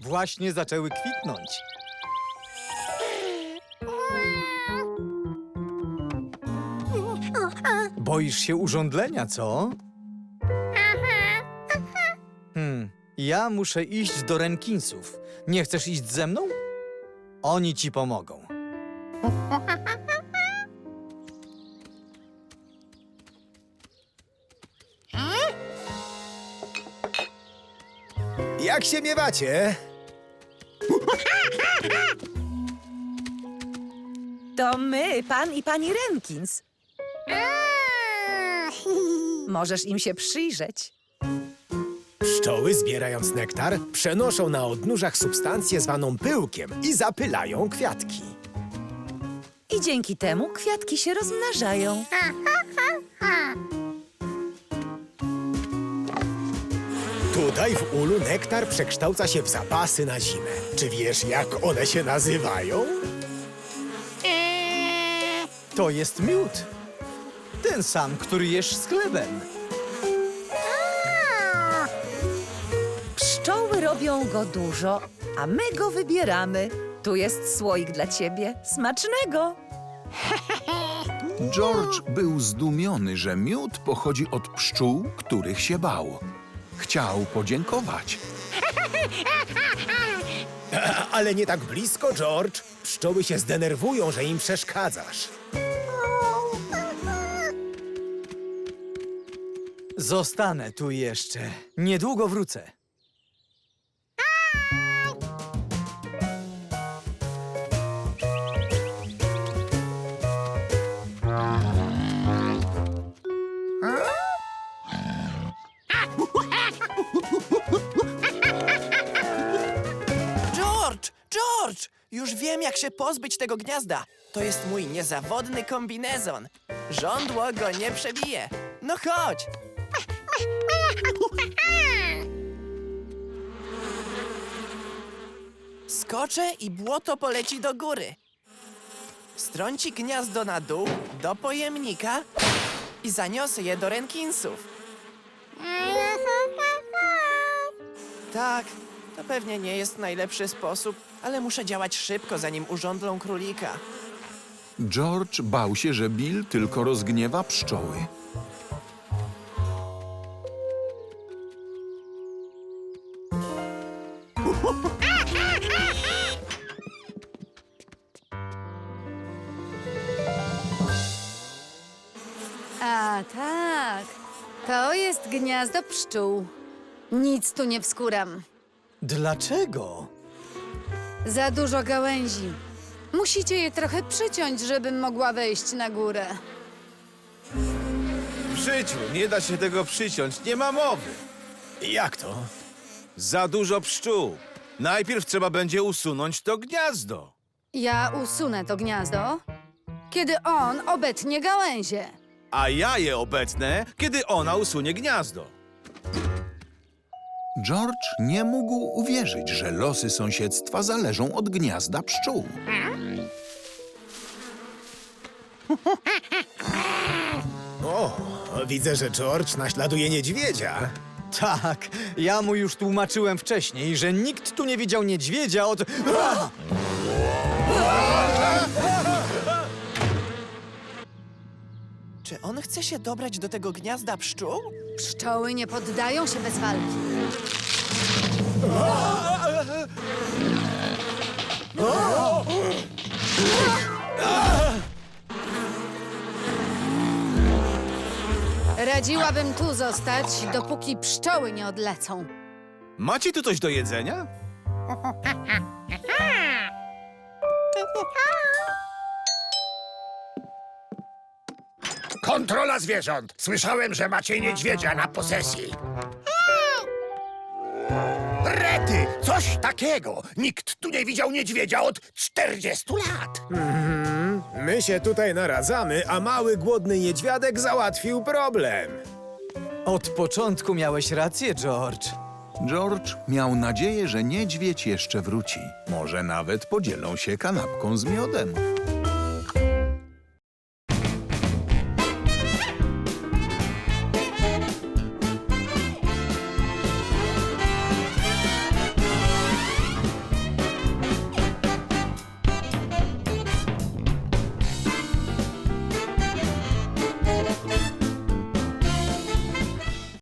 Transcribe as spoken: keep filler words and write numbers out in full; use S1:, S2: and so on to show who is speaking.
S1: Właśnie zaczęły kwitnąć. Boisz się urządlenia, co? Hmm, ja muszę iść do Renkinsów. Nie chcesz iść ze mną? Oni ci pomogą.
S2: Jak się miewacie?
S3: To my, pan i pani Renkins. Możesz im się przyjrzeć.
S2: Pszczoły, zbierając nektar, przenoszą na odnóżach substancję zwaną pyłkiem i zapylają kwiatki.
S3: I dzięki temu kwiatki się rozmnażają.
S2: Tutaj w ulu nektar przekształca się w zapasy na zimę. Czy wiesz, jak one się nazywają?
S1: To jest miód. Ten sam, który jesz z chlebem.
S3: Pszczoły robią go dużo, a my go wybieramy. Tu jest słoik dla ciebie. Smacznego!
S4: George był zdumiony, że miód pochodzi od pszczół, których się bał. Chciał podziękować.
S2: Ale nie tak blisko, George. Pszczoły się zdenerwują, że im przeszkadzasz.
S1: Zostanę tu jeszcze. Niedługo wrócę.
S5: George! George! Już wiem, jak się pozbyć tego gniazda. To jest mój niezawodny kombinezon. Żądło go nie przebije. No chodź! Skoczę i błoto poleci do góry. Strąci gniazdo na dół, do pojemnika i zaniosę je do Renkinsów. Tak, to pewnie nie jest najlepszy sposób, ale muszę działać szybko, zanim urządlą królika.
S4: George bał się, że Bill tylko rozgniewa pszczoły.
S6: A tak, to jest gniazdo pszczół. Nic tu nie wskuram.
S1: Dlaczego?
S6: Za dużo gałęzi. Musicie je trochę przyciąć, żebym mogła wejść na górę.
S7: W życiu nie da się tego przyciąć, nie ma mowy.
S2: Jak to?
S7: Za dużo pszczół. Najpierw trzeba będzie usunąć to gniazdo.
S6: Ja usunę to gniazdo, kiedy on obetnie gałęzie.
S7: A ja je obecnę, kiedy ona usunie gniazdo.
S4: George nie mógł uwierzyć, że losy sąsiedztwa zależą od gniazda pszczół.
S2: O, widzę, że George naśladuje niedźwiedzia.
S1: Tak, ja mu już tłumaczyłem wcześniej, że nikt tu nie widział niedźwiedzia od... A!
S5: Czy on chce się dobrać do tego gniazda pszczół?
S6: Pszczoły nie poddają się bez walki. Radziłabym tu zostać, dopóki pszczoły nie odlecą.
S7: Macie tu coś do jedzenia?
S8: Kontrola zwierząt! Słyszałem, że macie niedźwiedzia na posesji. Rety! Coś takiego! Nikt tu nie widział niedźwiedzia od czterdziestu lat!
S2: My się tutaj naradzamy, a mały, głodny niedźwiadek załatwił problem.
S1: Od początku miałeś rację, George.
S4: George miał nadzieję, że niedźwiedź jeszcze wróci. Może nawet podzielą się kanapką z miodem.